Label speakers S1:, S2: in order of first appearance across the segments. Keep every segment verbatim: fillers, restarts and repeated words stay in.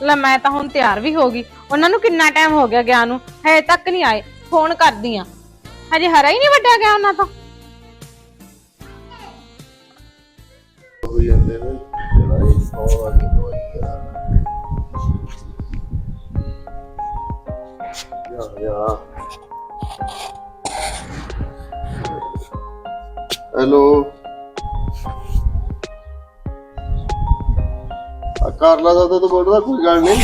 S1: ਲੈ मैं तो हुण तैयार भी हो गई। उन्होंने कितना टाइम हो गया गया नूं, हजे तक नहीं आए। फोन करदी आ, हजे हरा ही नहीं वड्डा गया उन्हां तो।
S2: हेलो कर ला तो तो बोल रहा कोई गल नहीं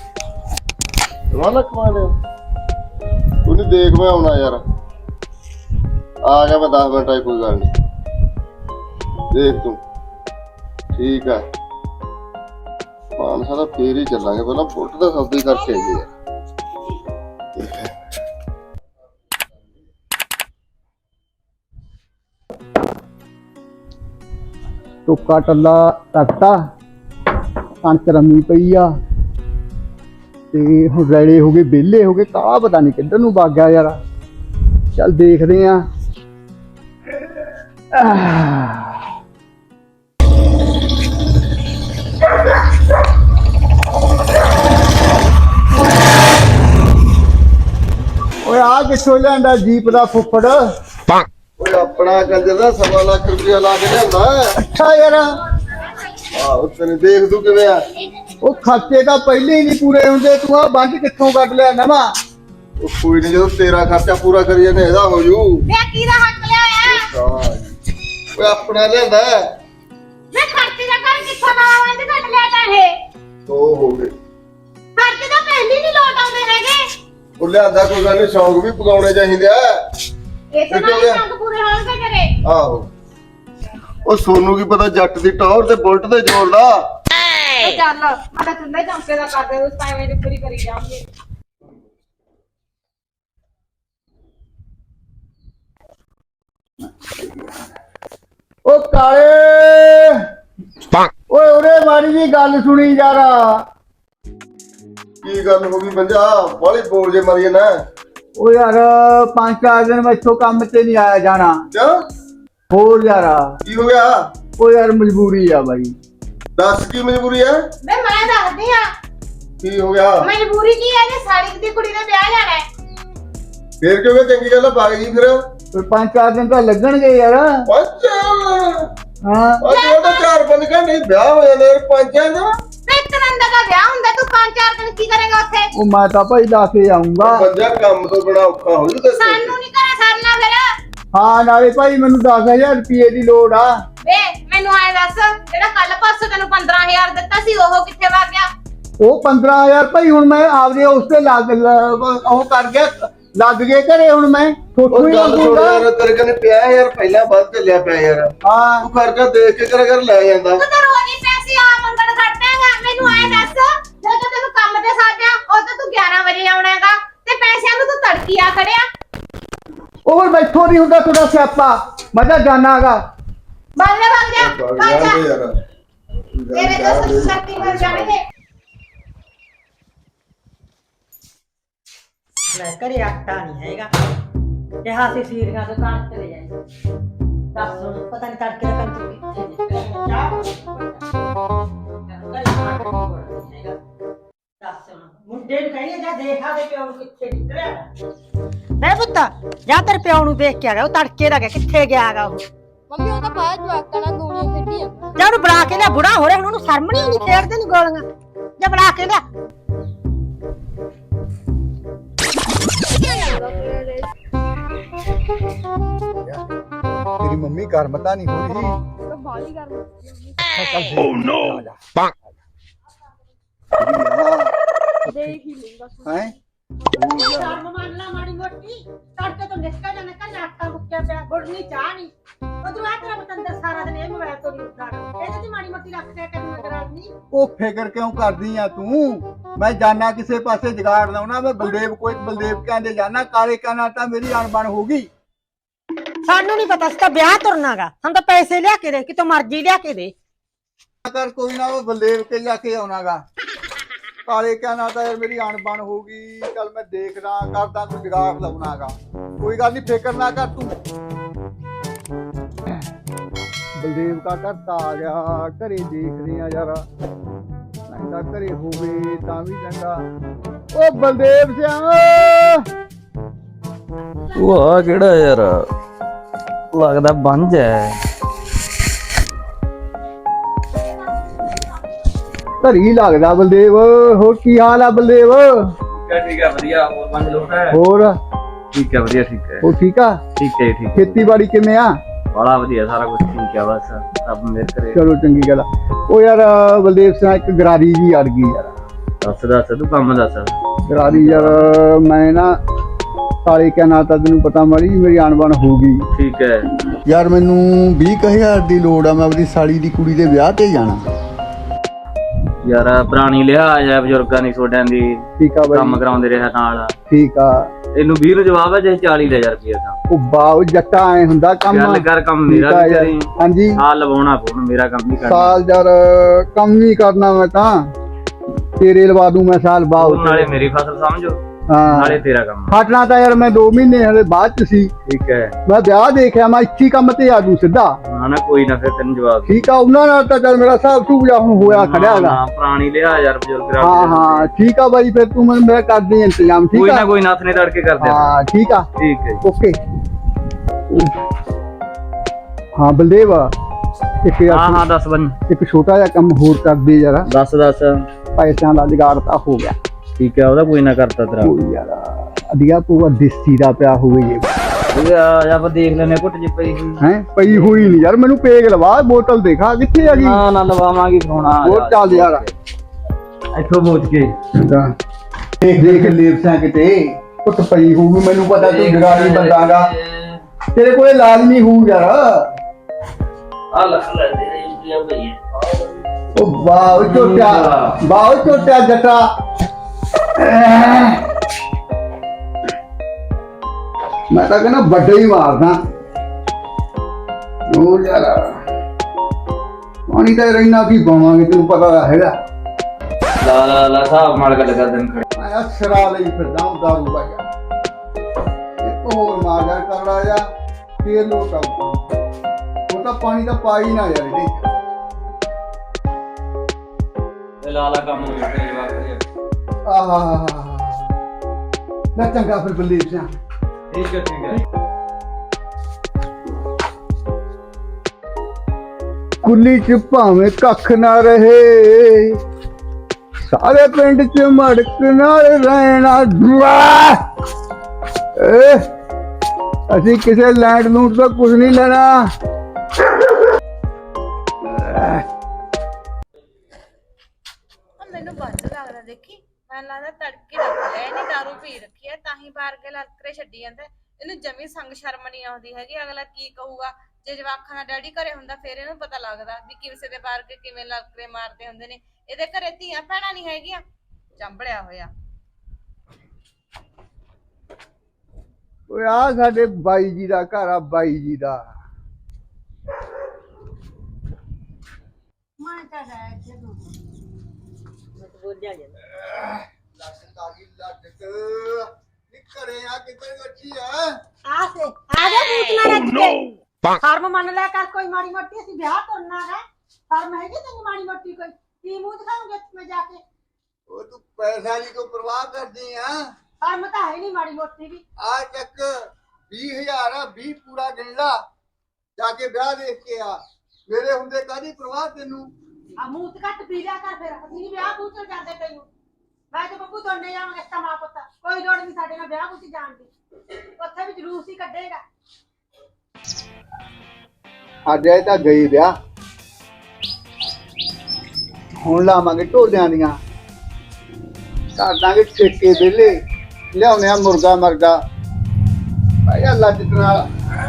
S2: वाला कमा ले तू नहीं देख मैं आना यार आ गया मैं दस मिनट आई कोई गल नहीं देख तू ठीक है मानसा तो फिर ही चलांगे पहला फुट तो सब्जी करके आइए
S3: टुक्का टल्ला टकता कणक रमी पई आ ते हुण रैले हो गए बेले हो गए काला पता नहीं किधर नूं वग गया यार चल देखदे आ ओए आ किथों लिआंदा जीप दा फुफड़
S2: ओए अपना कंजर दा सवा लाख रुपया ला के लिआंदा
S3: अच्छा यार
S2: ਆਹ ਤੈਨੂੰ ਦੇਖ ਦੂ ਕਿਵੇਂ ਆ
S3: ਉਹ ਖਰਚੇ ਤਾਂ ਪਹਿਲੇ ਹੀ ਨਹੀਂ ਪੂਰੇ ਹੁੰਦੇ ਤੂੰ ਆ ਬੰਦ ਕਿੱਥੋਂ ਕੱਢ ਲਿਆ ਨਵਾਂ
S2: ਉਹ ਕੋਈ ਨਹੀਂ ਜਦੋਂ ਤੇਰਾ ਖਰਚਾ ਪੂਰਾ ਕਰੀ ਜਾਂਦੇ ਇਹਦਾ ਹੋ ਜੂ
S4: ਵੇ ਕਿਹਦਾ ਹੱਕ ਲਿਆ ਆ
S2: ਓਏ ਆਪਣਾ ਲਿਆਂਦਾ
S4: ਵੇ ਖਰਚੇ ਦਾ ਕਰ ਕਿੱਥੋਂ ਨਾ ਆਉਂਦੇ ਕੱਢ ਲਿਆ ਤਾਂ ਇਹ
S2: ਦੋ ਹੋ ਗਏ
S4: ਖਰਚੇ ਤਾਂ ਪਹਿਲੇ ਨਹੀਂ ਲੋਟ ਆਉਂਦੇ ਹੈਗੇ
S2: ਉਹ ਲਿਆਂਦਾ ਕੋਈ ਗੱਲ ਨਹੀਂ ਸ਼ੌਂਕ ਵੀ ਪਗਾਉਣੇ ਚਾਹੀਦੇ ਆ
S4: ਇਹ ਤਾਂ ਨਹੀਂ ਸ਼ੌਂਕ ਪੂਰੇ ਹੋਣਗੇ ਤੇਰੇ
S2: ਆਹੋ ਉਹ ਸੋਨੂੰ ਕੀ ਪਤਾ ਜੱਟ ਦੀ ਟੌਰ ਤੇ ਬੁਲਟ ਤੇ ਜ਼ੋਰ ਦਾ
S1: ए चल मैं तो चुंदे चौंके दा कर दे उस टाइम में पूरी करी जाऊंगी।
S3: ओ काले ओए ओरे मारी जी गल सुनी यारा
S2: ਕੀ ਗੱਲ ਹੋ ਗਈ ਬੰਜਾ ਬਾਲੀ ਬੋਲ ਜੇ ਮਰੀ ਨਾ
S3: ओ यार पांच चार दिन मैं इथों काम ते नहीं आया जाना
S2: ਕਿਉਂ
S3: होर यारा
S2: ਕੀ ਹੋ ਗਿਆ
S3: ओ यार मजबूरी है भाई
S2: ਦੱਸ ਕੀ ਮਜਬੂਰੀ ਹੈ
S4: ਵੇ ਮੈਂ ਦੱਸਦੀ ਆ
S2: ਕੀ ਹੋ ਗਿਆ
S4: ਮਜਬੂਰੀ ਕੀ ਹੈ ਜੇ ਸਾੜੀ ਦੀ ਕੁੜੀ ਨੇ ਵਿਆਹ ਜਾਣਾ ਹੈ
S2: ਫੇਰ ਕਿਉਂ ਚੰਗੀ ਗੱਲ ਆ ਭਾਗ ਜੀ ਫਿਰ
S3: तो पांच चार दिन तो लगणगे यार
S2: ਅੱਛਾ
S3: हां
S2: ਅੱਜ ਉਹ ਤਾਂ ਚਾਰ ਪੰਜ ਘੰਟੇ ਹੀ ਵਿਆਹ ਹੋ ਜਾਂਦਾ ਯਾਰ ਪੰਜਾਂ ਦਾ
S4: ਵੇ ਇੱਕ ਦਿਨ ਦਾ ਵਿਆਹ ਹੁੰਦਾ ਤੂੰ ਪੰਜ ਚਾਰ ਦਿਨ ਕੀ ਕਰੇਗਾ ਉੱਥੇ
S3: ओ मैं तो भाई ला के आऊंगा
S2: ਪੰਜਾ ਕੰਮ ਤੋਂ ਬੜਾ ਔਖਾ ਹੋ ਜੂ ਤੇ
S4: ਸਾਨੂੰ ਨਹੀਂ ਕਰਾ ਸਰਨਾ ਫਿਰ
S3: हाँ नाले भाई मैनू दस हजार रुपये की लोड़ आ
S4: ਵੇ ਮੈਨੂੰ ਆਏ ਦੱਸ ਜਿਹੜਾ ਕੱਲ ਪਾਸੋਂ ਤੈਨੂੰ ਪੰਦਰਾਂ ਹਜ਼ਾਰ ਦਿੱਤਾ ਸੀ ਉਹ ਕਿੱਥੇ ਵਗ ਗਿਆ
S3: वो पंद्रह हजार भाई हूं मैं आपदे उसते लग ओ कर गया लग गए घरे हूं मैं थोथों
S2: ਉਹ
S3: ही
S2: ਗੱਲ ਸੁਣ
S3: लगूंगा
S2: ਯਾਰ ਤੇਰੇ ਕਨੇ ਪਿਆ ਯਾਰ ਪਹਿਲਾਂ ਵੱਧ ਚੱਲਿਆ ਪਿਆ ਯਾਰ
S3: हाँ
S2: ਤੂੰ ਖਰਚਾ ਦੇਖ ਕੇ ਕਰ ਕਰ ਲੈ ਜਾਂਦਾ
S4: ਤੂੰ ਤਾਂ ਰੋਜ਼ ਹੀ ਪੈਸੇ ਆ ਮੰਗਣ ਖੜਦਾਗਾ ਮੈਨੂੰ ਆਏ ਦੱਸ ਜਦੋਂ ਤੈਨੂੰ ਕੰਮ ਤੇ ਸਾਜਿਆ ਉਹ ਤਾਂ ਤੂੰ ਗਿਆਰਾਂ ਵਜੇ ਆਉਣਾਗਾ ਤੇ ਪੈਸਿਆਂ ਨੂੰ ਤੂੰ ਤੜਕੀ ਆ ਖੜਿਆ
S3: और बैठो नहीं होता थोड़ा स्यापा मजा जाना गा
S4: ਬਾਲੇ ਵਗ ਜਾ
S2: ਭਾਗ
S4: ਵਗ ਜਾ
S2: ਜਾਂਦੇ ਯਾਰ
S4: ਤੇਰੇ ਤਾਂ ਸਰਤੀ ਮਿਲ ਜਾਣਗੇ
S5: ਲੈ ਘਰੇ ਆਟਾ ਨਹੀਂ ਹੈਗਾ ਕਿਹਾ ਸੀ ਸੀਰੀਆਂ ਤੋਂ ਕਾਣ ਚਲੇ ਜਾਏ ਦੱਸ ਹੁਣ ਪਤਾ ਨਹੀਂ ਤੜਕੇ ਦਾ ਕੰਚ ਕਿੱਥੇ ਨਿਕਲਿਆ ਚਾਹ ਘਰੇ ਆਟਾ ਨਹੀਂ ਹੈਗਾ ਦੱਸ ਹੁਣ ਮੁੰਡੇ ਨੂੰ ਕਹਿੰਦੇ ਜਾ ਦੇਖਾ ਦੇ ਪਿਓ ਨੂੰ ਕਿੱਥੇ ਨਿਕਲਿਆ ਮੈਂ ਪੁੱਤ ਜਾ ਤੇਰੇ ਪਿਓ ਨੂੰ ਦੇਖ ਕੇ ਆ ਗਿਆ ਉਹ ਤੜਕੇ ਦਾ ਗਿਆ ਕਿੱਥੇ ਗਿਆ ਹੈਗਾ ਉਹ
S6: ਮੰਮੀ ਉਹ ਤਾਂ ਬਾਹਰ ਜਵਾਕਾਂ ਨਾਲ ਗੋਲੀਆਂ ਖੇਡੀ ਆ
S5: ਜਾ ਉਹਨੂੰ ਬੁਲਾ ਕੇ ਲਿਆ ਬੁੜਾ ਹੋ ਰਿਹਾ ਹੁਣ ਉਹਨੂੰ ਸ਼ਰਮ ਨਹੀਂ ਆਉਂਦੀ ਖੇਡਦੇ ਨਹੀਂ ਗੋਲੀਆਂ ਜਾ ਬੁਲਾ ਕੇ ਲਿਆ
S3: तेरी मम्मी गर्मता नहीं हो रही
S6: ਤਾਂ ਬਾਲੀ ਕਰ
S3: ओह नो
S6: ਦੇਖ ਹੀ ਲੂੰਗਾ
S3: हैं
S5: ਸ਼ਰਮ ਮੰਨ ਲਾ ਮਾੜੀ ਮੋਟੀ ਤੜਕੇ ਤੋਂ ਨਿਕਲ ਜਾਣਾ ਕੱਲ ਆਟਾ ਮੁੱਕਿਆ ਪਿਆ ਗੁੜਨੀ ਚਾਹ ਨਹੀਂ ਉਧਰ ਆ ਤੇਰਾ ਬਤੰਦਰ ਸਾਰਾ ਦਿਨ ਇਹ ਮੋਬਾਈਲ ਤੋਂ ਨਹੀਂ ਉੱਠਦਾ ਇਹਦੇ ਤੇ ਮਾੜੀ ਮੋਟੀ ਰੱਖ ਦਿਆ ਕਰ ਨਜ਼ਰ ਆਉਣੀ
S3: ओ फिकर क्यों कर दी आ तू मैं जाना किसे पासे जुगाड़ लाउना मैं बलदेव कोई बलदेव कहंदे जाना काले कहना ता मेरी अणबण होगी
S5: ਸਾਨੂੰ ਨਹੀਂ ਪਤਾ ਸੀ ਤਾਂ ਵਿਆਹ ਤੁਰਨਾਗਾ ਸਾਨੂੰ ਤਾਂ ਪੈਸੇ ਲਿਆ ਕੇ ਦੇ ਕਿਤੋਂ ਮਰਜ਼ੀ ਲਿਆ ਕੇ ਦੇ
S3: कर कोई ना वो बलदेव के जाके आउणागा काले कहना ता यार मेरी अणबण होगी चल मैं देखदा करदा कोई जुगाड़ लाउणागा कोई गल नहीं फिकर ना कर तू बलदेव का घर आ गया घरे देख रहे हैं यार ਚੰਗਾ ਘਰੇ ਹੋਵੇ ਤਾਂ ਵੀ ਚੰਗਾ। ਉਹ ਬਲਦੇਵ ਸਿਆ
S7: ਉਹ ਆ ਕਿਹੜਾ ਯਾਰ ਲੱਗਦਾ ਬੰਜ ਹੈ।
S3: ਘਰੀ ਲੱਗਦਾ ਬਲਦੇਵ। ਹੋਰ ਕੀ ਹਾਲ ਆ ਬਲਦੇਵ?
S7: ਠੀਕ ਹੈ ਠੀਕ ਹੈ ਵਧੀਆ। ਹੋਰ ਬੰਜ ਲੋਟ ਹੈ?
S3: ਹੋਰ
S7: ਠੀਕ ਹੈ ਵਧੀਆ ਠੀਕ ਹੈ।
S3: ਉਹ ਠੀਕ ਆ?
S7: ਠੀਕ ਹੈ ਠੀਕ।
S3: ਖੇਤੀਬਾੜੀ ਕਿਵੇਂ ਆ?
S7: ਬੜਾ ਵਧੀਆ ਸਾਰਾ ਕੁਝ ਠੀਕ ਹੈ ਬਸ ਰੱਬ ਮਿਹਰ ਕਰੇ।
S3: ਚਲੋ ਚੰਗੀ ਗੱਲ ਆ। ਉਹ ਯਾਰ ਬਲਦੇਵ ਸਿਆ ਇੱਕ ਗਰਾਰੀ ਜੀ ਅੜ ਗਈ ਯਾਰ।
S7: ਦੱਸ ਦੱਸ ਤੂੰ ਕੰਮ ਦੱਸ।
S3: ਗਰਾਰੀ ਯਾਰ ਮੈਂ ਨਾ ਸਾਲੇ ਕਿਆ ਨਾ ਤਾਂ ਤੈਨੂੰ ਪਤਾ ਮਾੜੀ ਮੇਰੀ ਆਣਬਣ ਹੋ ਗਈ।
S7: ਠੀਕ ਹੈ
S3: ਯਾਰ ਮੈਨੂੰ ਵੀਹ ਕੁ ਹਜ਼ਾਰ ਦੀ ਲੋੜ ਆ। ਮੈਂ ਆਪਣੀ ਸਾਲੀ ਦੀ ਕੁੜੀ ਦੇ ਵਿਆਹ ਤੇ ਜਾਣਾ।
S7: ਯਾਰ ਪੁਰਾਣੀ ਲਿਹਾਜ਼ ਹੈ ਬਜ਼ੁਰਗਾਂ ਦੀ ਛੋਟਿਆਂ ਦੀ।
S3: ਠੀਕ ਆ
S7: ਕੰਮ
S3: ਬਾਈ
S7: ਕਰਾਉਂਦੇ ਰਿਹਾ ਨਾਲ।
S3: ਠੀਕ ਆ।
S7: ਇਹਨੂੰ ਵੀਹ ਨੂੰ ਜਵਾਬ ਹੈ ਜੇ ਚਾਲੀ ਦੇ ਹਜ਼ਾਰ ਰੁਪਏ ਦਾ।
S3: ਉਹ ਬਾਉ ਜੱਟਾ ਐ ਹੁੰਦਾ ਕੰਮ।
S7: ਗੱਲ ਕਰ ਕੰਮ ਮੇਰਾ
S3: ਠੀਕ ਆ
S7: ਵੀ
S3: ਯਾਰ।
S7: ਕਰੀ।
S3: ਹਾਂਜੀ
S7: ਸਾਲ ਲਵਾਉਣਾ ਪਊ ਮੇਰਾ ਕੰਮ ਨਹੀਂ ਕਰਨਾ।
S3: ਸਾਲ ਯਾਰ ਕੰਮ ਹੀ ਕਰਨਾ ਮੈਂ ਤਾਂ। ਤੇਰੇ ਲਵਾ ਦੂੰ ਮੈਂ ਸਾਲ ਬਾਉ।
S7: ਤੂੰ ਨਾਲੇ ਮੇਰੀ ਫਸਲ ਸਮਝੋ
S3: ਹਾਂ
S7: ਨਾਲੇ ਤੇਰਾ ਕੰਮ।
S3: ਹਟਣਾ ਤਾਂ ਯਾਰ ਮੈਂ ਦੋ ਮਹੀਨੇ ਹਲੇ ਬਾਅਦ ਚ ਸੀ।
S7: ਠੀਕ ਹੈ
S3: ਮੈਂ ਵਿਆਹ ਦੇਖਿਆ ਮੈਂ ਇੱਥੇ ਕੰਮ ਤੇ ਆ ਜੂ ਸਿੱਧਾ।
S7: ਹਾਂ ਨਾ ਕੋਈ ਨਾ ਫਿਰ ਤੈਨੂੰ ਜਵਾਬ ਦੇ।
S3: ਠੀਕ ਆ ਉਹਨਾਂ ਨਾਲ ਤਾਂ ਚੱਲ ਮੇਰਾ ਹਿਸਾਬ ਸੂਬਜਾ ਹੁਣ ਹੋਇਆ ਖੜਿਆ ਹੈਗਾ।
S7: ਹਾਂ ਪੁਰਾਣੀ ਲਿਆ ਯਾਰ ਬਜ਼ੁਰਗ ਰਾਜ
S3: ਹਾਂ ਹਾਂ ਠੀਕ ਆ ਬਾਈ ਫਿਰ ਤੂੰ ਮੈਨੂੰ ਮੇਰਾ ਕਰ ਦੇ ਇੰਤਜ਼ਾਮ। ਠੀਕ
S7: ਕੋਈ
S3: ਆ
S7: ਨਾ ਕੋਈ ਨਾ ਹੱਥ ਤੜਕੇ ਕਰ ਦੇ।
S3: ਹਾਂ ਠੀਕ ਆ
S7: ਠੀਕ ਹੈ
S3: ਓਕੇ। ਹਾਂ ਬਲਦੇਵ ਇੱਕ ਯਾਰ
S7: ਹਾਂ ਹਾਂ ਦੱਸ ਬਨ
S3: ਇੱਕ ਛੋਟਾ ਜਿਹਾ ਕੰਮ ਹੋਰ ਕਰ ਦੇ ਯਾਰ।
S7: ਦੱਸ ਦੱਸ।
S3: ਪੈਸਿਆਂ ਦਾ ਜੁਗਾੜ ਤਾਂ ਹੋ ਗਿਆ।
S7: ਠੀਕ ਹੈ ਉਹਦਾ ਕੋਈ ਨਾ ਕਰਤਾ ਤੇਰਾ।
S3: ਕੋਈ ਯਾਰ ਅਧਿਆ ਪੂਆ ਦੇਸੀ ਦਾ ਪਿਆ ਹੋਵੇ ਜੇ
S7: ਇਹ ਆ ਆਪਾਂ ਦੇਖ ਲੈਨੇ ਘੁੱਟ ਜੇ ਪਈ ਹੋਈ।
S3: ਹੈ ਪਈ ਹੋਈ ਨਹੀਂ ਯਾਰ। ਮੈਨੂੰ ਪੇਗ ਲਵਾ ਬੋਤਲ ਦੇਖਾ ਕਿੱਥੇ ਆ ਗਈ।
S7: ਨਾ ਨਾ ਲਵਾਵਾਂਗੇ ਖੋਣਾ।
S3: ਹੋਰ ਚੱਲ ਯਾਰ
S7: ਇੱਥੋਂ ਬੋਚ ਕੇ
S3: ਦੇਖ ਦੇਖ ਲੇਪਸਾਂ ਕਿਤੇ ਕੁੱਟ ਪਈ ਹੋਊਗੀ। ਮੈਨੂੰ ਪਤਾ ਤੂੰ ਜਗਾੜੀ ਬੰਦਾਗਾ। ਤੇਰੇ ਕੋਲੇ ਲਾਜ਼ਮੀ ਹੋਊ ਯਾਰ।
S7: ਆ ਲੈ ਲੈ ਦੇ ਇਹ ਭਈ।
S3: ਉਹ ਵਾਹ ਝੋਟਾ ਵਾਹ ਝੋਟਾ ਜੱਟਾ। ਮੈਂ ਤਾਂ ਕਹਿੰਦਾ ਵੱਡਾ ਹੀ ਮਾਰਦਾ। ਉਹ ਯਾਰ ਪਾਣੀ ਤਾਂ ਰਹਿਣਾ ਕੀ ਪਾਵਾਂਗੇ ਤੈਨੂੰ ਪਤਾ ਤਾਂ ਹੈਗਾ।
S7: ਲਾ ਲਾ ਲਾ ਸਾਹ ਮਾਰ ਕੇ ਲਗਾ ਦਿਨ ਖੜੇ।
S3: ਮੈਂ ਅਸਰਾ ਲਈ ਫਿਰਦਾ ਹਾਂ ਦਾਰੂ ਭਾਈਆ। ਇੱਕ ਹੋਰ ਮਾਰ ਯਾਰ ਕਰੜਾ ਜਾ ਫੇਰ ਲੋਟ ਆਊ। ਉਹ ਤਾਂ ਪਾਣੀ ਤਾਂ ਪਾ ਹੀ ਨਾ ਯਾਰ ਇਹਦੇ ਚ।
S7: ਤੇ ਲਾ ਲਾ ਕੰਮ ਨੂੰ ਵੇਖੇ ਜਵਾਬ ਕਰੇ।
S3: ਆਹ ਨਾ ਚੰਗਾ ਫਿਰ ਬਲਦੇਵ ਸਿੰਘ।
S7: ਠੀਕ ਹੈ ਠੀਕ ਹੈ।
S3: ਕੁੱਲੀ ਚ ਭਾਵੇਂ ਕੱਖ ਨਾ ਰਹੇ ਸਾਰੇ ਪਿੰਡ ਚ ਮੜਕ ਨਾਲ ਰਹਿਣਾ ਦੁਆ। ਏ ਅਸੀਂ ਕਿਸੇ ਲੈਂਡ ਲੂਟ ਤੋਂ ਕੁਝ ਨਹੀਂ ਲੈਣਾ।
S1: ਮੈਨੂੰ ਬੰਦ ਲੱਗਦਾ ਦੇਖੀ। ਮੈਨੂੰ ਲੱਗਦਾ ਤੜਕੇ ਰੱਖਿਆ ਇਹਨੇ ਦਾਰੂ ਪੀ ਰੱਖੀ ਹੈ ਤਾਂ ਹੀ ਬਾਹਰ ਕੇ ਲੜਕਰੇ ਛੱਡੀ ਜਾਂਦਾ। ਇਹਨੂੰ ਜਮੀ ਸੰਗ ਸ਼ਰਮ ਨਹੀਂ ਆਉਂਦੀ ਹੈਗੀ। ਅਗਲਾ ਕੀ ਕਹੂਗਾ ਜੇ ਜਵਾਖਾਂ ਦਾ ਡੈਡੀ ਘਰੇ ਹੁੰਦਾ ਫਿਰ ਇਹਨੂੰ ਪਤਾ ਲੱਗਦਾ ਵੀ ਕਿਸੇ ਦੇ ਬਾਹਰ ਕੇ ਕਿਵੇਂ ਲੜਕਰੇ ਮਾਰਦੇ ਹੁੰਦੇ ਨੇ। ਇਹਦੇ ਘਰੇ ਧੀਆਂ ਭੈਣਾਂ ਨਹੀਂ ਹੈਗੀਆਂ। ਚੰਬੜਿਆ ਹੋਇਆ।
S3: ਓਏ ਆ ਸਾਡੇ ਬਾਈ ਜੀ ਦਾ ਘਰ ਆ। ਬਾਈ ਜੀ ਦਾ
S5: ਮੈਂ ਤਾਂ ਰਹਿ ਜਦੋਂ ਮੈਂ ਤਾਂ ਬੋਲ ਜਾ
S3: ਲੱਟ ਤਾਗੀ ਲੱਟ ਨਿਕਰੇ ਆ ਕਿੱਧਰ ਗੱਚੀ ਆ।
S5: ਆ ਸੇ ਆ ਜਾ ਮੂਤਨਾ ਰੱਖ ਕੇ ਸ਼ਰਮ ਮੰਨ ਲਿਆ ਕਰ ਕੋਈ ਮਾੜੀ ਮੋਟੀ। ਅਸੀਂ ਵਿਆਹ ਕਰਨਾ ਹੈ। ਸ਼ਰਮ ਹੈਗੀ ਤੈਨੂੰ ਮਾੜੀ ਮੋਟੀ ਕੋਈ? ਕੀ ਮੂੰਹ ਦਿਖਾਉਂਗੇ ਮੈਂ ਜਾ ਕੇ?
S3: ਉਹ ਤੂੰ ਪੈਸਾ ਦੀ ਕੋ ਪਰਵਾਹ ਕਰਦੀ ਆ।
S5: ਸ਼ਰਮ ਤਾਂ ਹੈ ਨਹੀਂ ਮਾੜੀ ਮੋਟੀ ਵੀ।
S3: ਆ ਚੱਕ ਵੀਹ ਹਜ਼ਾਰ ਆ। ਵੀਹ ਪੂਰਾ ਗਿਣ ਲਾ ਜਾ ਕੇ ਵਿਆਹ ਦੇਖ ਕੇ ਆ। ਮੇਰੇ ਹੁੰਦੇ ਕਾਹਦੀ ਪਰਵਾਹ ਤੈਨੂੰ।
S5: ਆ ਮੂੰਹ ਤੇ ਘੱਟ ਪੀ ਲਿਆ ਕਰ ਫਿਰ। ਅਸੀਂ ਨੀ ਵਿਆਹ ਬੂਹ ਚ ਜਾਂਦੇ ਤੈਨੂੰ। ਮੈਂ ਤੇ ਬੱਬੂ ਦੋਨੇ ਜਾਵਾਂਗੇ ਇਸ ਮਾਂ ਪੁੱਤ। ਕੋਈ ਲੋੜ ਨਹੀਂ ਸਾਡੇ ਨਾਲ ਵਿਆਹ ਬੂਹ ਚ ਜਾਣ ਦੀ। ਉੱਥੇ ਵੀ ਜਲੂਸ ਹੀ ਕੱਢੇਗਾ।
S3: ਅੱਜ ਇਹ ਤਾਂ ਗਈ ਵਿਆਹ। ਹੁਣ ਲਾਵਾਂਗੇ ਢੋਲਿਆਂ ਦੀਆਂ। ਕਰ ਦਾਂਗੇ ਠੇਕੇ ਵਿਹਲੇ। ਲਿਆਉਣੇ ਆ ਮੁਰਗਾ ਮਰਗਾ ਭਾਈ ਅੱਲਾ ਜਿੱਤ ਨਾਲ।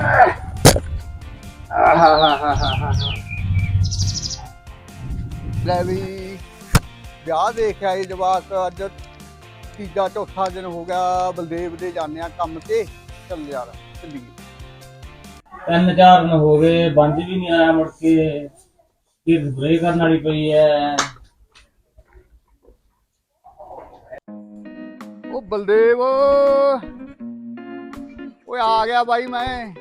S3: ਲੈ ਵੀ ਵਿਆਹ ਦੇਖ ਆਏ ਜਵਾਕ। ਅੱਜ ਤੀਜਾ ਚੌਥਾ ਦਿਨ ਹੋ ਗਿਆ। ਬਲਦੇਵ ਦੇ ਜਾਂਦੇ ਆ ਕੰਮ ਤੇ। ਚੱਲ ਯਾਰ ਚੱਲੀਏ।
S7: ਤਿੰਨ ਚਾਰ ਦਿਨ ਹੋ ਗਏ ਬੰਜ ਵੀ ਨਹੀਂ ਆਇਆ ਮੁੜ ਕੇ। ਫਿਰ ਸਪਰੇ ਕਰਨ ਵਾਲੀ ਪਈ ਐ।
S3: ਉਹ ਬਲਦੇਵ ਓਏ ਆ ਗਿਆ ਬਾਈ ਮੈਂ।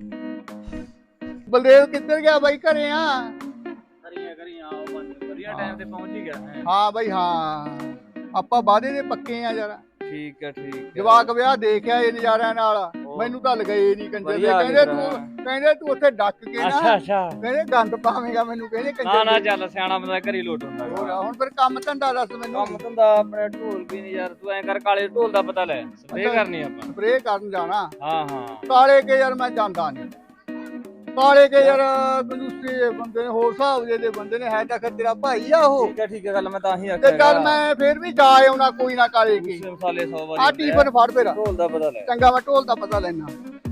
S3: ਬਲਦੇਵ ਕਿੱਧਰ ਗਿਆ ਬਾਈ? ਘਰੇ ਆ।
S7: ਕਰੀਆਂ ਕਰੀਆਂ ਆਓ ਬੰਜ ਵਧੀਆ ਟਾਈਮ
S8: ਟਾਈਮ ਤੇ ਪਹੁੰਚ ਹੀ ਗਿਆ ਹੈ।
S3: ਹਾਂ ਬਾਈ ਹਾਂ ਆਪਾਂ ਵਾਅਦੇ ਦੇ ਪੱਕੇ ਆ ਯਾਰ।
S8: ਠੀਕ ਹੈ ਠੀਕ ਹੈ।
S3: ਜਵਾਕ ਵਿਆਹ ਦੇਖਿਆ ਇਹ ਨਜ਼ਾਰਿਆਂ ਨਾਲ ਮੈਨੂੰ ਤਾਂ ਲਗਾਏ ਨਹੀਂ ਕੰਜਰ ਦੇ।
S8: ਵਧੀਆ
S3: ਕਹਿੰਦੇ
S8: ਕੀਤਾ।
S3: ਤੂੰ ਕਹਿੰਦੇ ਤੂੰ ਉੱਥੇ ਡੱਕ ਕੇ
S8: ਅੱਛਾ
S3: ਨਾ
S8: ਅੱਛਾ।
S3: ਕਹਿੰਦੇ ਗੰਦ ਪਾਵੇਂਗਾ ਮੈਨੂੰ ਕਹਿੰਦੇ ਕੰਜਰ
S8: ਨਾ ਨਾ
S3: ਦੇ।
S8: ਚੱਲ ਸਿਆਣਾ ਬੰਦਾ ਘਰੀ ਲੋਟ ਹੁੰਦਾ
S3: ਹੋਰ
S8: ਗਾ।
S3: ਹੁਣ ਫਿਰ ਕੰਮ ਧੰਦਾ ਦੱਸ ਮੈਨੂੰ।
S8: ਕੰਮ ਧੰਦਾ ਆਪਣੇ ਢੋਲ ਵੀ ਨਹੀਂ ਯਾਰ, ਤੂੰ ਐਂ ਕਰ ਕਾਲੇ ਢੋਲ ਦਾ ਪਤਾ ਲੈ, ਸਪਰੇਅ ਕਰਨੀ ਆਪਾਂ।
S3: ਸਪਰੇਅ ਕਰਨ ਜਾਣਾ
S8: ਹਾਂ ਹਾਂ
S3: ਕਾਲੇ ਕੇ ਯਾਰ ਮੈਂ ਜਾਂਦਾ ਨਹੀਂ। ਕਾਲੇ ਕੇ ਯਾਰ ਕੰਜੂਸੀ ਦੇ ਬੰਦੇ ਨੇ, ਹੋਰ ਹਿਸਾਬ ਦੇ ਦੇ ਬੰਦੇ ਨੇ, ਹੈ ਤਾਂ ਫਿਰ ਤੇਰਾ ਭਾਈ ਆ ਉਹ।
S8: ਠੀਕ ਹੈ ਠੀਕ ਹੈ ਗੱਲ ਮੈਂ ਤਾਂ ਹੀ
S3: ਤੇ
S8: ਆਖਿਆ
S3: ਚੱਲ ਮੈਂ ਫੇਰ ਵੀ ਜਾ ਆਉਣਾ ਕੋਈ ਨਾ ਕਾਲੇ ਕੇ।
S8: ਦੂਸਰੇ ਮਸਾਲੇ ਸੌ ਵਾਰੀ
S3: ਆ
S8: ਹੁੰਦੇ
S3: ਟੀਫਨ ਫੜ ਫੇਰ।
S8: ਢੋਲ ਦਾ ਪਤਾ ਲੈ।
S3: ਚੰਗਾ ਮੈਂ ਢੋਲ ਦਾ ਪਤਾ ਲੈਣਾ।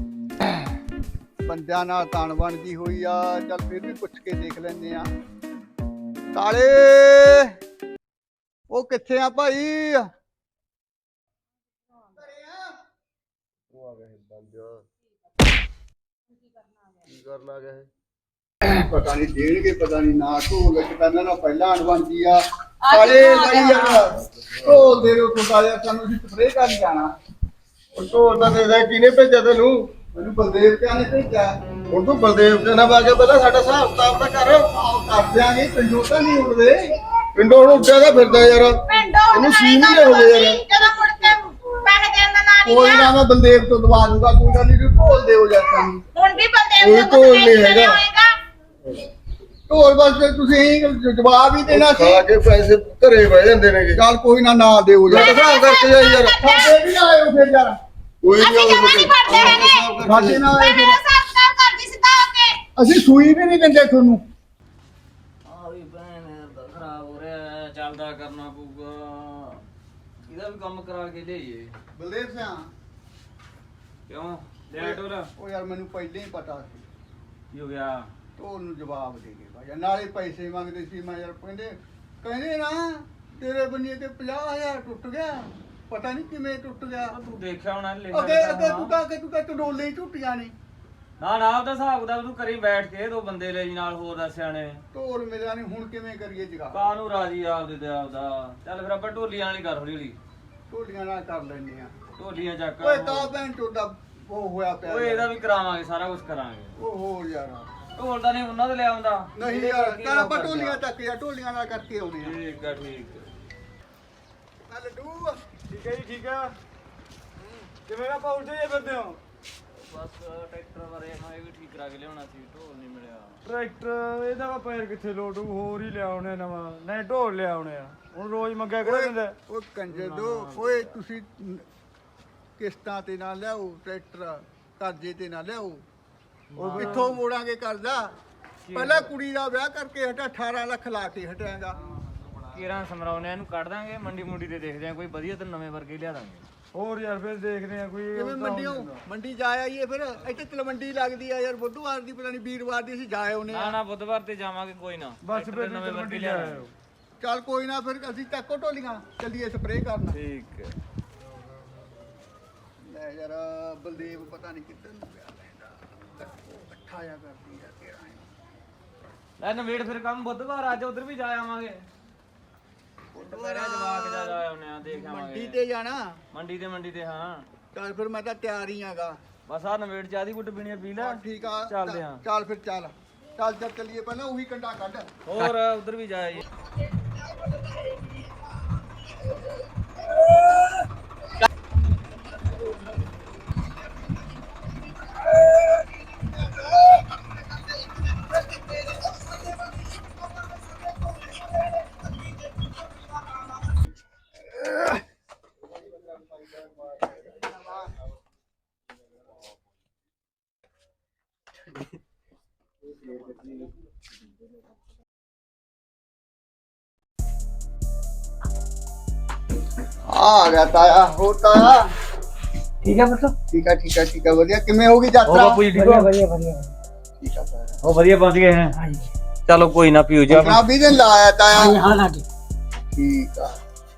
S3: ਬੰਦਿਆਂ ਨਾਲ ਤਾਣ ਬਣਦੀ ਹੋਈ ਆ, ਚੱਲ ਫਿਰ ਵੀ ਪੁੱਛ ਕੇ ਦੇਖ ਲੈਂਦੇ ਆ। ਕਾਲੇ ਉਹ ਕਿੱਥੇ ਆ ਭਾਈ?
S2: ਉਹ ਆ ਗਿਆ ਬੰਦ ਕੀ ਕਰਨ ਆ ਗਿਆ ਇਹ?
S3: ਪਤਾ ਨਹੀਂ ਦੇਣਗੇ ਪਤਾ ਨਹੀਂ ਨਾ। ਢੋਲ ਵਿੱਚ ਪਹਿਲਾਂ ਨਾ ਪਹਿਲਾਂ ਅਣਬਣਦੀ ਆ। ਕਾਲੇ ਭਾਈ ਯਾਰ ਢੋਲ ਦੇ ਰੋ ਕੁੰਡਾ ਯਾਰ, ਸਾਨੂੰ ਅਸੀਂ ਸਪਰੇਅ ਕਰਨ ਜਾਣਾ।
S2: ਉਹ ਢੋਲ ਦਾ ਦੇ ਦੇ, ਕਿਹਨੇ ਭੇਜਿਆ ਤੈਨੂੰ?
S3: ਮੈਨੂੰ ਬਲਦੇਵ ਕਿਆ ਨੇ ਭੇਜਿਆ।
S2: ਹੁਣ ਤੂੰ ਬਲਦੇਵ ਦੇ ਨਾਲ ਆ ਕੇ ਪਹਿਲਾਂ ਸਾਡਾ ਹਿਸਾਬ ਕਿਤਾਬ ਤਾਂ ਕਰ।
S3: ਆਹ ਕਰ ਦਿਆਂਗੇ, ਪਿੰਡੋਂ ਤਾਂ ਨਹੀਂ ਉੱਡਦੇ।
S2: ਪਿੰਡੋਂ ਹੁਣ ਉੱਡਿਆ ਦਾ ਫਿਰਦਾ ਯਾਰ।
S4: ਪਿੰਡੋਂ
S2: ਇਹਨੂੰ ਸੀ ਨਹੀਂ ਹੋ ਗਏ ਯਾਰ।
S4: ਜਦੋਂ ਮੁੜ ਕੇ ਪੈਸੇ ਦੇਣ ਦਾ ਨਾਂ ਨਹੀਂ
S3: ਕੋਈ
S4: ਲਿਆ।
S3: ਨਾ ਮੈਂ ਬਲਦੇਵ ਤੋਂ ਦਵਾ ਦੂੰਗਾ, ਕੋਈ ਗੱਲ ਨਹੀਂ। ਤੂੰ ਢੋਲ ਦੇ ਹੋ ਜਾ ਸਾਨੂੰ।
S4: ਹੁਣ ਵੀ ਬੰਦੇ
S2: ਕੋਈ
S4: ਨੂੰ
S2: ਢੋਲ ਨਹੀਂ ਹੈਗਾ।
S4: ਹੋਏਗਾ।
S3: ਢੋਲ ਬਸ ਤੁਸੀਂ ਜਵਾਬ ਹੀ ਦੇਣਾ ਸੀ।
S2: ਖਾ ਕੇ ਪੈਸੇ ਘਰੇ ਬਹਿ ਜਾਂਦੇ ਨੇਗੇ।
S3: ਚੱਲ ਕੋਈ ਨਾ ਨਾ ਦਿਓ
S2: ਮੈਂ
S3: ਯਾਰ।
S2: ਤਾਂ ਹਿਸਾਬ ਕਰਕੇ ਜਾਈ ਯਾਰ।
S3: ਸਾਡੇ ਵੀ ਆਇਓ ਫਿਰ ਯਾਰ।
S2: ਕੋਈ
S4: ਅਸੀਂ ਜਮਾਂ ਨਹੀਂ ਪੜਦੇ ਹੈਗੇ।
S3: ਸਾਡੇ ਨਾਲ
S4: ਮੈਂ
S3: ਆਇਓ
S4: ਮੇਰਾ
S3: ਫਿਰ।
S4: ਹਿਸਾਬ ਕਿਤਾਬ ਕਰਦੀ ਸਿੱਧਾ ਹੋ ਕੇ।
S3: ਅਸੀਂ ਸੂਈ ਵੀ ਨਹੀਂ ਦਿੰਦੇ ਤੁਹਾਨੂੰ।
S8: ਆ ਵੀ ਭੈਣ ਦਾ ਖਰਾਬ ਹੋ ਰਿਹਾ, ਚੱਲਦਾ ਕਰਨਾ ਪਊਗਾ। ਇਹਦਾ ਵੀ ਕੰਮ ਕਰਾ ਕੇ ਲਿਆਈਏ।
S3: ਬਲਦੇਵ ਸਿਆ
S8: ਕਿਉਂ ਲੈ ਢੋਲ?
S3: ਉਹ ਯਾਰ ਮੈਨੂੰ ਪਹਿਲਾਂ ਹੀ ਪਤਾ ਸੀ।
S8: ਕੀ ਹੋ ਗਿਆ?
S3: ਢੋਲ ਨੂੰ ਜਵਾਬ ਦੇ ਗਏ ਭਾਈ। ਨਾਲੇ ਪੈਸੇ ਮੰਗਦੇ ਸੀ। ਮੈਂ ਯਾਰ ਕਹਿੰਦੇ ਕਹਿੰਦੇ ਨਾ ਤੇਰੇ ਬੰਨੇ ਤੇ ਪੰਜਾਹ ਹਜ਼ਾਰ ਟੁੱਟ ਗਿਆ। ਪਤਾ ਨਹੀਂ ਕਿਵੇਂ ਟੁੱਟ ਗਿਆ।
S8: ਤੂੰ ਦੇਖਿਆ ਹੋਣਾ ਲਿਖਿਆ
S3: ਅੱਗੇ
S8: ਹੋਣਾ।
S3: ਅੱਗੇ ਤੂੰ ਤਾਂ ਅੱਗੇ ਤੂੰ ਤਾਂ ਟਡੋਲੇ ਹੀ ਟੁੱਟੀਆਂ ਨਹੀਂ।
S8: ਨਾ ਨਾ ਉਹਦਾ ਹਿਸਾਬ ਦਾ ਤੂੰ ਕਰੀ ਬੈਠ ਕੇ, ਦੋ ਬੰਦੇ ਲੈ ਜੀ ਨਾਲ ਹੋਰ ਦੱਸਿਆ ਨੇ।
S3: ਢੋਲ ਮਿਲਿਆ ਨਹੀਂ, ਹੁਣ ਕਿਵੇਂ ਕਰੀਏ ਜਗਾ।
S8: ਕਾਹਨੂੰ ਰਾਜੀ ਆਪਦੇ ਤੇ ਆਪਦਾ। ਚੱਲ ਫਿਰ ਆਪਾਂ ਢੋਲੀਆਂ ਵਾਲੀ ਕਰ ਹੌਲੀ ਹੌਲੀ।
S3: ਢੋਲੀਆਂ ਨਾਲ ਕਰ ਲੈਂਦੇ ਆ।
S8: ਢੋਲੀਆਂ ਚੱਕ।
S3: ਓਏ ਕਾ ਭੈਣ ਚੋਦਾ ਉਹ ਹੋਇਆ ਪਿਆ।
S8: ਓਏ ਇਹਦਾ ਵੀ ਕਰਾਵਾਂਗੇ, ਸਾਰਾ ਕੁਝ ਕਰਾਂਗੇ।
S3: ਉਹ ਹੋਰ ਯਾਰ
S8: ਢੋਲ ਤਾਂ ਨਹੀਂ ਉਹਨਾਂ ਦੇ ਲੈ ਆਉਂਦਾ।
S3: ਨਹੀਂ ਯਾਰ ਚੱਲ ਆਪਾਂ ਢੋਲੀਆਂ ਚੱਕ ਜਾ, ਢੋਲੀਆਂ ਨਾਲ ਕਰਕੇ ਆਉਨੇ ਆ।
S8: ਠੀਕ ਆ ਠੀਕ ਆ।
S3: ਆ ਲੱਡੂ
S9: ਠੀਕ ਹੈ ਜੀ ਠੀਕ ਆ। ਕਿਵੇਂ ਨਾ ਪਹੁੰਚੇ ਜੇ ਫਿਰਦੇ ਹੋ?
S8: ਬਸ ਟਰੈਕਟਰ ਬਾਰੇ ਮੈਂ ਇਹ ਵੀ ਠੀਕ ਕਰਾ ਕੇ ਲਿਆਉਣਾ ਸੀ, ਢੋਲ ਨਹੀਂ ਮਿਲਿਆ।
S9: ਟਰੈਕਟਰ ਇਹਦਾ ਵਾ ਪੈਰ ਕਿੱਥੇ ਲੋਟੂ, ਹੋਰ ਹੀ ਲਿਆਉਣੇ ਨਵਾਂ, ਨਹੀਂ ਢੋਲ ਲਿਆਉਣੇ ਆ। ਹੁਣ ਰੋਜ਼ ਮੰਗਿਆ ਕਿਹੜਾ ਦਿੰਦਾ?
S3: ਉਹ ਕੰਜਰ ਦੋ ਓਏ, ਤੁਸੀਂ ਕਿਸ਼ਤਾਂ ਤੇ ਨਾ ਲਿਆਓ ਟਰੈਕਟਰ, ਕਰਜ਼ੇ ਤੇ ਨਾ ਲਿਆਓ। ਉਹ ਕਿੱਥੋਂ ਮੋੜਾਂਗੇ ਕਰਜ਼ਾ? ਪਹਿਲਾਂ ਕੁੜੀ ਦਾ ਵਿਆਹ ਕਰਕੇ ਹਟਾ ਅਠਾਰਾਂ ਲੱਖ ਲਾ ਕੇ ਹਟਾਂਗਾ।
S8: ਕੀਰਾਂ ਸਮਰਾਉਨੇ ਇਹਨੂੰ ਕੱਢ ਦਾਂਗੇ, ਮੰਡੀ ਮੁੰਡੀ ਤੇ ਦੇਖਦੇ ਆਂ ਕੋਈ ਵਧੀਆ ਤੇ ਨਵੇਂ ਵਰਗੇ ਲਿਆ ਦਾਂਗੇ।
S9: ਹੋਰ ਯਾਰ ਫਿਰ ਦੇਖਦੇ ਆ ਕੋਈ।
S3: ਕਿਵੇਂ ਮੰਡੀਓ ਮੰਡੀ ਜਾ ਆਈਏ ਫਿਰ। ਇੱਥੇ ਤਲਵੰਡੀ ਲੱਗਦੀ ਆ ਯਾਰ, ਬੁੱਧਵਾਰ ਦੀ ਪਤਾ ਨਹੀਂ ਵੀਰਵਾਰ ਦੀ ਅਸੀਂ ਜਾ ਆਉਨੇ
S8: ਨਾ
S3: ਆ।
S8: ਨਾ ਬੁੱਧਵਾਰ ਤੇ ਜਾਵਾਂਗੇ ਕੋਈ ਨਾ।
S9: ਬਸ
S8: ਟਰੈਕਟਰ
S9: ਫਿਰ
S8: ਤੇ ਨਵੇਂ
S9: ਨਵੇਂ
S8: ਵਰਗੇ
S9: ਮੰਡੀ
S8: ਲਿਆ
S9: ਲਿਆ
S8: ਦਾਂਗੇ।
S9: ਆਇਓ।
S3: ਚੱਲ ਕੋਈ ਨਾ ਫਿਰ ਅਸੀਂ ਚੱਕੋ ਢੋਲੀਆਂ, ਚੱਲੀਏ ਸਪਰੇਅ ਕਰਨ।
S8: ਠੀਕ ਹੈ।
S3: ਲੈ ਯਾਰ ਬਲਦੇਵ ਪਤਾ ਨਹੀਂ ਕਿੱਧਰ ਨੂੰ ਗਿਆ ਲੈਂਦਾ। ਇਕੱਠਾ ਜਾ ਕਰਦੀ ਆ ਤੇਰਾ।
S8: ਲੈ ਨਵੇੜ ਫਿਰ ਕੰਮ ਬੁੱਧਵਾਰ, ਅੱਜ ਉਧਰ ਵੀ ਜਾ ਆਵਾਂਗੇ। ਬੁੱਧਵਾਰ ਜਵਾਕ ਜਾ ਆਉਨੇ ਆ, ਦੇਖ ਆਵਾਂਗੇ।
S3: ਮੰਡੀ ਤੇ ਜਾਣਾ।
S8: ਮੰਡੀ ਤੇ ਮੰਡੀ ਤੇ ਹਾਂ।
S3: ਚੱਲ ਫਿਰ ਮੈਂ ਤਾਂ ਤਿਆਰ ਹੀ ਆਗਾ।
S8: ਬਸ ਆ ਨਵੇੜ ਚਾਹ ਦੀ ਗੁੱਟ ਪੀਣੀ ਆ, ਪੀ ਲੈ।
S3: ਠੀਕ ਆ
S8: ਚੱਲਦੇ ਆਂ।
S3: ਚੱਲ ਫਿਰ ਚੱਲ ਚੱਲ ਚੱਲ ਚੱਲੀਏ, ਪਹਿਲਾਂ ਉਹੀ ਕੰਡਾ ਕੱਢ।
S8: ਹੋਰ ਉਧਰ ਵੀ ਜਾ ਆਈਏ।
S3: ਆ ਗਿਆ ਤਾਇਆ, ਹੋ ਤਾਇਆ।
S7: ਠੀਕ ਹੈ ਪੁੱਤ।
S3: ਠੀਕ ਆ ਠੀਕ ਆ ਠੀਕ ਆ ਵਧੀਆ। ਕਿਵੇਂ ਹੋ ਗਈ ਯਾਤਰਾ?
S7: ਜੀ ਠੀਕ ਹੋ? ਵਧੀਆ ਵਧੀਆ
S3: ਠੀਕ ਆ ਤਾਇਆ।
S8: ਉਹ ਵਧੀਆ ਪਹੁੰਚ ਗਏ ਹੈ। ਚਲੋ ਕੋਈ ਨਾ ਪੀਓ ਜਾ।
S3: ਨਾ ਵੀ ਦਿਨ ਲਾਇਆ ਤਾਇਆ।
S7: ਹਾਂ ਲਾਗੇ।
S3: ਠੀਕ ਆ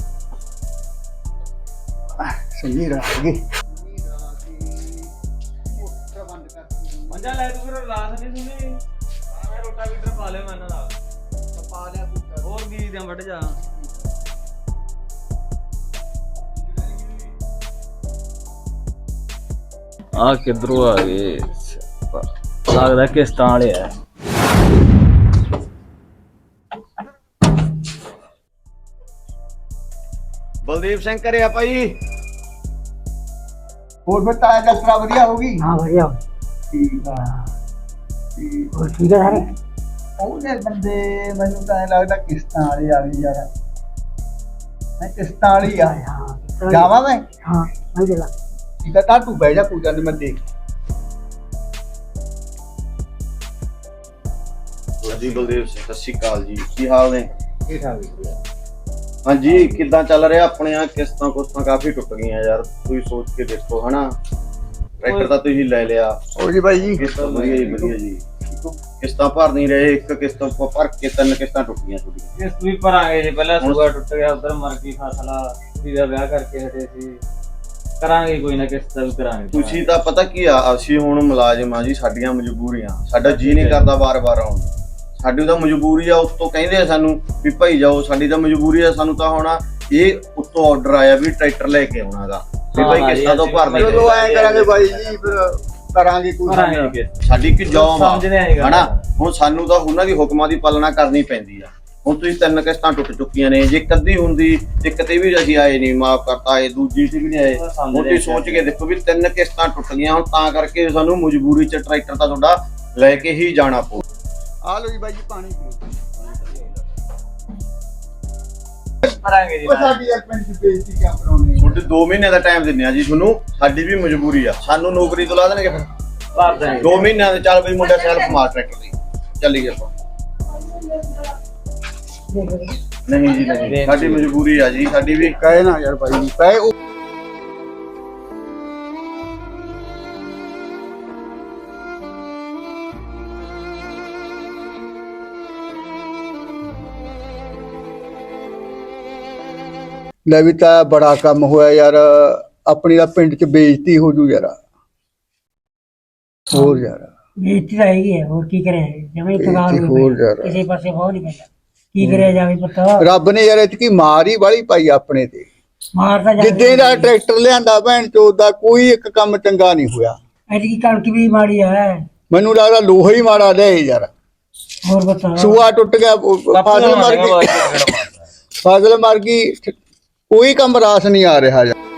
S3: ਸਹੀ ਰਹਿ ਗਈ।
S8: ਮੰਜਾ ਲੈ ਤੂੰ ਫਿਰ ਰਾਤ ਨਹੀਂ ਸੁਣੀ। ਮੈਂ ਰੋਟਾ ਵੀਟਰ ਪਾ ਲਿਆ ਮੈਂ ਇਹਨਾਂ ਦਾ।
S3: ਪਾ ਲਿਆ ਪੁੱਤ।
S8: ਹੋਰ ਵੀ ਦੇ ਵੱਢ ਜਾ। ਆ ਕਿਧਰੋਂ ਆ ਗਏ? ਲੱਗਦਾ ਕਿਸ਼ਤਾਂ ਵਾਲੇ ਆ।
S2: ਬਲਦੀਪ ਸਿੰਘ ਕਰਿਆ ਭਾਈ।
S3: ਹੋਰ ਫਿਰ ਤਾਇਆ ਡਾਕਟਰ ਵਧੀਆ ਹੋ ਗਈ?
S5: ਹਾਂ ਵਧੀਆ
S3: ਠੀਕ ਆ।
S5: ਹੋਰ ਠੀਕ ਹੈ ਸਾਰੇ
S3: ਉਹਦੇ ਬੰਦੇ ਮੈਨੂੰ ਤਾਂ ਐਂ ਲੱਗਦਾ ਕਿਸ਼ਤਾਂ ਵਾਲੇ ਆ ਗਏ ਯਾਰ। ਮੈਂ ਕਿਸ਼ਤਾਂ ਵਾਲੀ ਆ।
S5: ਹਾਂ
S3: ਜਾਵਾਂ ਮੈਂ?
S5: ਹਾਂ ਮੈਂ ਦੇ ਲਾ
S3: ਠੀਕ ਆ ਤਾਂ ਤੂੰ ਬਹਿ ਜਾ, ਕੋਈ ਗੱਲ ਨੀ, ਮੈਂ ਦੇਖ।
S2: ਜੀ ਬਲਦੇਵ ਸਿੰਘ, ਸਤਿ ਸ਼੍ਰੀ ਅਕਾਲ ਜੀ, ਕੀ ਹਾਲ ਨੇ?
S3: ਠੀਕ ਠਾਕ।
S2: ਹਾਂਜੀ, ਕਿੱਦਾਂ ਚੱਲ ਰਿਹਾ ਆਪਣੇ ਆ? ਕਿਸ਼ਤਾਂ ਕੁਸ਼ਤਾਂ ਕਾਫੀ ਟੁੱਟ ਗਈਆਂ ਯਾਰ, ਤੁਸੀਂ ਸੋਚ ਕੇ ਦੇਖੋ ਹਨਾ। ਟਰੈਕਟਰ ਤਾਂ ਤੁਸੀਂ ਲੈ ਲਿਆ।
S3: ਹੋ ਜੀ ਬਾਈ ਜੀ।
S2: ਕਿਸ਼ਤਾਂ ਵਧੀਆ ਜੀ, ਵਧੀਆ ਜੀ। ਕਿਸ਼ਤਾਂ ਭਰ ਨਹੀਂ ਰਹੇ, ਇੱਕ ਕਿਸ਼ਤ ਭਰ ਕੇ ਤਿੰਨ ਕਿਸ਼ਤਾਂ ਟੁੱਟ ਗਈਆਂ ਤੁਹਾਡੀਆਂ।
S7: ਕਿਸ਼ਤ ਵੀ ਭਰਾਂਗੇ ਜੀ, ਪਹਿਲਾਂ ਸੂਆ ਟੁੱਟ ਗਿਆ, ਉਧਰ ਮਰ ਗਈ ਫਸਲ, ਕੁੜੀ ਦਾ ਵਿਆਹ ਕਰਕੇ ਹਟੇ ਸੀ, ਕਰਾਂਗੇ ਕੋਈ ਨਾ ਕਿਸ਼ਤ ਵੀ ਕਰਾਂਗੇ।
S2: ਤੁਸੀਂ ਤਾਂ ਪਤਾ ਕੀ ਆ, ਅਸੀਂ ਹੁਣ ਮੁਲਾਜ਼ਮ ਆ ਜੀ, ਸਾਡੀਆਂ ਮਜਬੂਰੀਆਂ, ਸਾਡਾ ਜੀ ਨਹੀਂ ਕਰਦਾ ਵਾਰ-ਵਾਰ ਆਉਣ। ਸਾਡੀ ਤਾਂ ਮਜਬੂਰੀ ਆ, ਉੱਤੋਂ ਕਹਿੰਦੇ ਆ ਸਾਨੂੰ ਵੀ ਭਾਈ ਜਾਓ, ਸਾਡੀ ਤਾਂ ਮਜਬੂਰੀ ਆ। ਸਾਨੂੰ ਤਾਂ ਹੁਣ ਇਹ ਉੱਤੋਂ ਆਰਡਰ ਆਇਆ ਵੀ ਟਰੈਕਟਰ ਲੈ ਕੇ ਆਉਣਾਗਾ ਵੀ ਭਾਈ ਕਿਸ਼ਤਾਂ ਤੋਂ ਭਰ ਦੇ।
S3: ਚਲੋ ਐਂ ਕਰਾਂਗੇ ਬਾਈ ਜੀ, ਫਿਰ ਕਰਾਂਗੇ ਕੋਈ
S7: ਕਰਾਂਗੇ ਕਿਸ਼ਤ।
S2: ਸਾਡੀ ਕੀ ਜੌਬ ਆ
S7: ਸਮਝਦੇ ਆਏ ਗੱਲ
S2: ਹਨਾ। ਹੁਣ ਸਾਨੂੰ ਤਾਂ ਉਹਨਾਂ ਦੀ ਹੁਕਮਾਂ ਦੀ ਪਾਲਣਾ ਕਰਨੀ ਪੈਂਦੀ ਆ। ਹੁਣ ਤੁਸੀਂ ਤਿੰਨ ਕਿਸ਼ਤਾਂ ਟੁੱਟ ਚੁੱਕੀਆਂ ਨੇ, ਜੇ ਕੱਦੀ ਹੁੰਦੀ ਇੱਕ ਤੇ ਵੀ ਅਸੀਂ ਆਏ ਨਹੀਂ, ਮਾਫ ਕਰਤਾ, ਇਹ ਦੂਜੀ ਤੇ ਵੀ ਨਹੀਂ ਆਏ। ਹੁਣ ਤੁਸੀਂ ਸੋਚ ਕੇ ਦੇਖੋ ਵੀ ਤਿੰਨ ਕਿਸ਼ਤਾਂ ਟੁੱਟ ਗਈਆਂ, ਹੁਣ ਤਾਂ ਕਰਕੇ ਸਾਨੂੰ ਮਜਬੂਰੀ 'ਚ ਟਰੈਕਟਰ ਤਾਂ ਤੁਹਾਡਾ ਲੈ ਕੇ ਹੀ ਜਾਣਾ ਪਊ।
S3: ਆ ਲਓ ਜੀ ਬਾਈ ਜੀ ਪਾਣੀ ਪੀਓ।
S7: ਭਰਾਂਗੇ ਜੀ
S3: ਉਹ ਸਾਡੀ ਯਾਰ ਪਿੰਡ ਦੀ ਬੇਇੱਜ਼ਤੀ ਕਿਉਂ ਕਰਾਉਂਦੇ?
S2: ਤੁਹਾਡੇ ਦੋ ਮਹੀਨੇ ਦਾ ਟਾਈਮ ਦਿੰਨੇ ਆ ਜੀ ਤੁਹਾਨੂੰ, ਸਾਡੀ ਵੀ ਮਜਬੂਰੀ ਆ। ਸਾਨੂੰ ਨੌਕਰੀ ਤੋਂ ਲਾ ਦੇਣਗੇ ਫਿਰ
S7: ਭਰ ਦਾਂਗੇ।
S2: ਦੋ ਮਹੀਨਿਆਂ ਦੇ। ਚੱਲ ਬਈ ਮੁੰਡਾ ਸੈਲਫ ਮਾਰ ਟਰੈਕਟਰ ਦੀ, ਚੱਲੀਏ ਆਪਾਂ। ਨਹੀਂ ਜੀ ਨਹੀਂ, ਸਾਡੀ ਮਜਬੂਰੀ ਆ ਜੀ, ਸਾਡੀ ਵੀ।
S3: ਕਹੇ ਨਾ ਯਾਰ ਬਾਈ ਜੀ, ਕਹੇ ਉਹ ਲੈ ਵੀ ਤਾਂ ਬੜਾ ਕੰਮ ਹੋਇਆ ਯਾਰ, ਆਪਣੀ ਦਾ ਪਿੰਡ 'ਚ ਬੇਇੱਜ਼ਤੀ ਹੋ ਜੂ ਯਾਰ। ਹੋਰ ਯਾਰ
S5: ਬੇਇੱਜ਼ਤੀ ਤਾਂ ਹੈਗੀ ਹੈ, ਹੋਰ ਕੀ ਕਰੇ ਜਮੇ ਤਗਾਰ
S3: ਬੇਇੱਜ਼ਤੀ ਹੋਰ ਯਾਰ।
S5: ਕਿਸੇ ਪਾਸੇ ਬਹੁਤ ਨਹੀਂ ਪੈਂਦਾ, ਕੀ ਕਰਿਆ ਜਾਵੇ ਪੁੱਤ।
S3: ਰੱਬ ਨੇ ਯਾਰ ਇਤਕੀ ਮਾਰ ਹੀ ਵਾਲੀ ਪਾਈ ਆਪਣੇ ਤੇ।
S5: ਮਾਰ ਤਾਂ
S3: ਜਿੱਦੇ ਦਾ ਟਰੈਕਟਰ ਲਿਆਂਦਾ ਭੈਣ ਚੋਦ ਦਾ, ਕੋਈ ਇੱਕ ਕੰਮ ਚੰਗਾ ਨਹੀਂ ਹੋਇਆ।
S5: ਐਤਕੀ ਕਣਕ ਵੀ ਮਾੜੀ ਹੈ।
S3: ਮੈਨੂੰ ਲੱਗਦਾ ਲੋਹਾ ਹੀ ਮਾੜਾ ਲਿਆ ਯਾਰ।
S5: ਹੋਰ ਬਤਾ
S3: ਸੂਆ ਟੁੱਟ ਗਿਆ, ਫਸਲ ਮਰ ਗਈ, ਫਸਲ ਮਰ ਗਈ, ਕੋਈ ਕੰਮ ਰਾਸ ਨਹੀਂ ਆ ਰਿਹਾ ਯਾਰ।